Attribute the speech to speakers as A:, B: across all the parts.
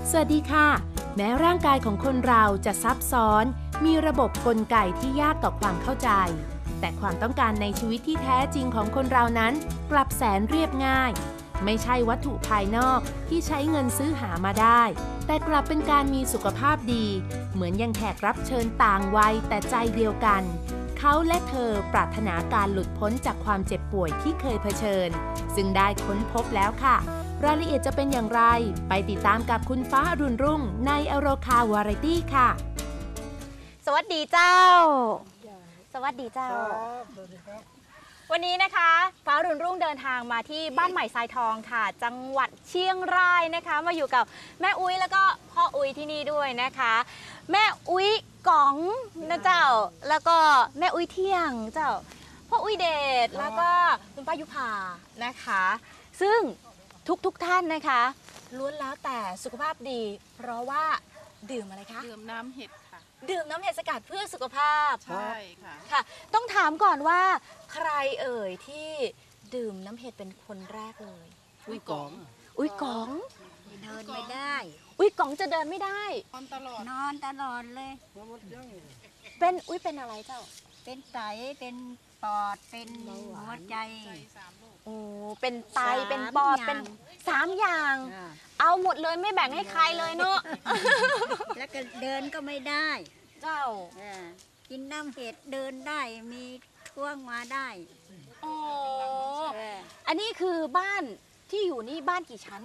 A: สวัสดีค่ะแม้ร่างกายของคนเราจะซับซ้อนมีระบบกลไกที่ยากต่อความเข้าใจแต่ความต้องการในชีวิตที่แท้จริงของคนเรานั้นกลับแสนเรียบง่ายไม่ใช่วัตถุภายนอกที่ใช้เงินซื้อหามาได้แต่กลับเป็นการมีสุขภาพดีเหมือนยังแขกรับเชิญต่างวัยแต่ใจเดียวกันเขาและเธอปรารถนาการหลุดพ้นจากความเจ็บป่วยที่เคยเผชิญซึ่งได้ค้นพบแล้วค่ะรายละเอียดจะเป็นอย่างไรไปติดตามกับคุณฟ้าอรุณรุ่งในอโรคาวาไรตี้ค่ะ
B: สวัสดีเจ้าสวัสดีเจ้าวันนี้นะคะฟ้าอรุณรุ่งเดินทางมาที่บ้านใหม่ทรายทองค่ะจังหวัดเชียงรายนะคะมาอยู่กับแม่อุ้ยแล้วก็พ่ออุ้ยที่นี่ด้วยนะคะแม่อุ้ยก๋องนะเจ้าแล้วก็แม่อุ้ยเที่ยงเจ้าพ่ออุ้ยเดชแล้วก็คุณป้ายุพานะคะซึ่งทุกท่านนะคะล้วนแล้วแต่สุขภาพดีเพราะว่าดื่มอะไรคะ
C: ดื่มน้ำเห็ดค่ะ
B: ดื่มน้ำเห็ดสกัดเพื่อสุขภาพ
C: ใช่ค่ะ
B: ค่ะต้องถามก่อนว่าใครเอ่ยที่ดื่มน้ำเห็ดเป็นคนแรกเลย
C: อุ้ยก๋อง
B: อุ้ยก๋อง
D: เดินไม่ได้
B: อุ้ยก๋องจะเดินไม่ได้
C: นอนตลอด
D: เลย
B: เป็นอุ้ยเป็นอะไรเจ้า
D: เป็นไตเป็นปอดเป็นหัวใจ
B: โอ้เป็นไตเป็นปอดเป็น3 อย่างเอาหมดเลยไม่แบ่งให้ใครเลยเนาะ
D: แล้วก็เดินก็ไม่ได้
B: เจ้า
D: กินน้ำเห็ดเดินได้มีท่วงมาได้
B: อ๋ออันนี้คือบ้านที่อยู่นี่บ้านกี่ชั้น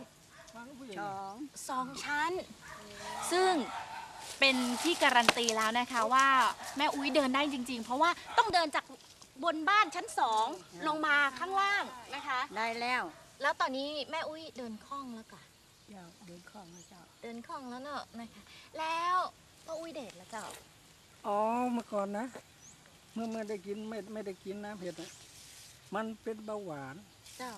B: 2 ชั้นซึ่งเป็นที่การันตีแล้วนะคะว่าแม่อุ้ยเดินได้จริงๆเพราะว่าต้องเดินจากบนบ้านชั้น2ลงมาข้างล่างนะคะ
D: ได้
B: แล้วตอนนี้แม่อุ้ยเดินคล่องแล้วก่ะ
D: เดินคล่องแล้วเจ้า
B: เดินคล่องแล้วเนอะนะคะแล้วพ่ออุ้ยเดชแล้วเจ้า
E: อ๋อเมื่อก่อนนะเมื่อได้กินไม่ได้กินน้ำเผ็ดนะมันเป็นเบาหวาน
B: เจ้า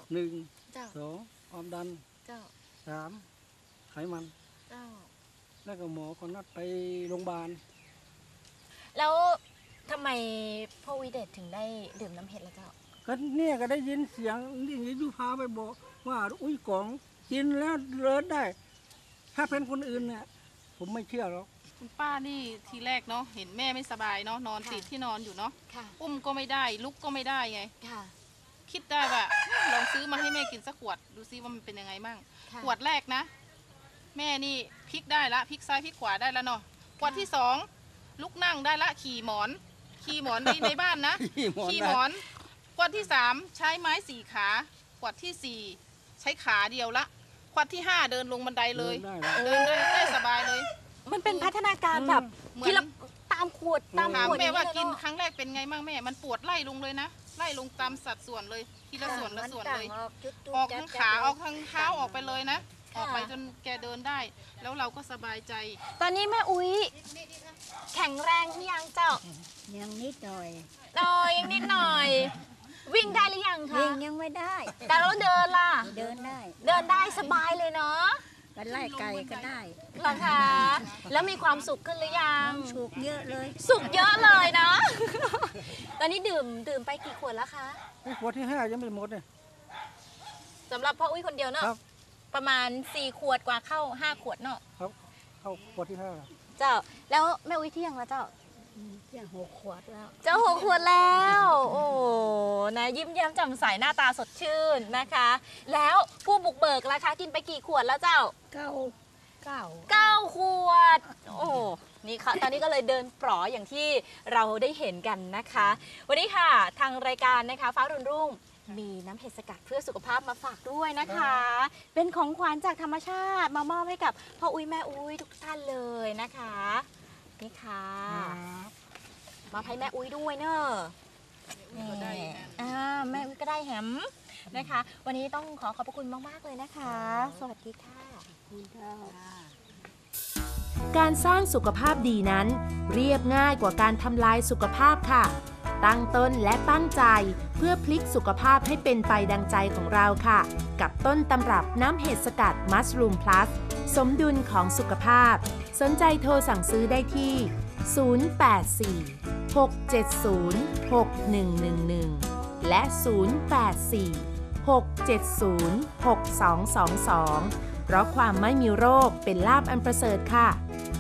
E: 1 2ความดัน
B: เจ้า
E: 3ไขมัน
B: เจ้า
E: แล้วก็หมอคนนัดไปโรงพยาบาล
B: แล้วทำไมพ่อวิเดชถึงได้ดื่มน้ำเห็ดแล้วเจ้า
E: ก็เนี่ยก็ได้ยินเสียงนี่ยุพาไปบอกว่าอุ้ยก๋องกินแล้วเลิศได้ถ้าเป็นคนอื่นเนี่ยผมไม่เชื่อหรอก
C: คุณป้านี่ทีแรกเนาะเห็นแม่ไม่สบายเนาะนอนติดที่นอนอยู่เนาะอุ้มก็ไม่ได้ลุกก็ไม่ได้ไงคิดได้ว่าลองซื้อมาให้แม่กินสักขวดดูซิว่ามันเป็นยังไงมั่งขวดแรกนะแม่นี่พลิกได้ละพลิกซ้ายพลิกขวาได้แล้วเนาะขวดที่2ลุกนั่งได้ละขี่หมอนในบ้านนะขี่หมอนขวดที่3ใช้ไม้4ขาขวดที่4ใช้ขาเดียวละขวดที่5เดินลงบันไดเลยเดินได้สบายเลย
B: มันเป็นพัฒนาการแบบที่เราตามขวด
C: แม่ว่ากินครั้งแรกเป็นไงมั่งแม่มันปวดไล่ลงเลยนะไล่ลงตามสัดส่วนเลยทีละส่วนเลยออกทั้งขาออกทั้งเท้าออกไปเลยนะออกไปจนแกเดินได้แล้วเราก็สบายใจ
B: ตอนนี้แม่อุ้ยแข็งแรงหรือยังเจ้า
D: ยังนิดหน่อย
B: ยังนิดหน่อยวิ่งได้หรือยังคะ
D: วิ่งยังไม่ได้
B: แต่เราเดินล่ะ
D: เดิน
B: ได้สบายเลยเนาะ
D: ไปไล่ไก่ก็ได้
B: หรอคะแล้วมีความสุขขึ้นหรือยัง
D: สุขเยอะเลย
B: สุขเยอะเลยนะตอนนี้ดื่มไปกี่ขวดแล้วคะ
E: ขวดที่5ยังไม่หมดเลย
B: สำหรับพ่ออุ้ยคนเดียวเนาะประมาณ4 ขวดกว่าเข้า5 ขวดเนาะ
E: ครับเข้าขวดที่5
B: เจ้าแล้วแม่อุ้ยเที่ยงแล้วเจ้า
D: 6 ขวดแล้ว
B: เจ้า6 ขวดแล้วโอ้นะยิ้มแย้มแจ่มใสหน้าตาสดชื่นนะคะแล้วผู้บุกเบิกล่ะคะกินไปกี่ขวดแล้วเจ้า9 ขวดโอ้นี่ค่ะตอนนี้ก็เลยเดินปลออย่างที่เราได้เห็นกันนะคะวันนี้ค่ะทางรายการนะคะฟ้ารุ่นรุ่งมีน้ำเห็ดสกัดเพื่อสุขภาพมาฝากด้วยนะคะเป็นของขวัญจากธรรมชาติมามอบให้กับพ่ออุ้ยแม่อุ้ยทุกท่านเลยนะคะนี่ค่ะมาให้แม่อุ้ยด้วยเนอะแม่อุ้ยก็ได้แฮมนะคะวันนี้ต้องขอบพระคุณมากๆเลยนะคะสวัสดีค่ะ
D: คุณเจ้า
A: การสร้างสุขภาพดีนั้นเรียบง่ายกว่าการทำลายสุขภาพค่ะตั้งต้นและตั้งใจเพื่อพลิกสุขภาพให้เป็นไปดังใจของเราค่ะกับต้นตำรับน้ำเห็ดสกัดมัสรูมพลัสสมดุลของสุขภาพสนใจโทรสั่งซื้อได้ที่084 670 6111และ084 670 6222 เพราะความไม่มีโรคเป็นลาภอันประเสริฐค่ะ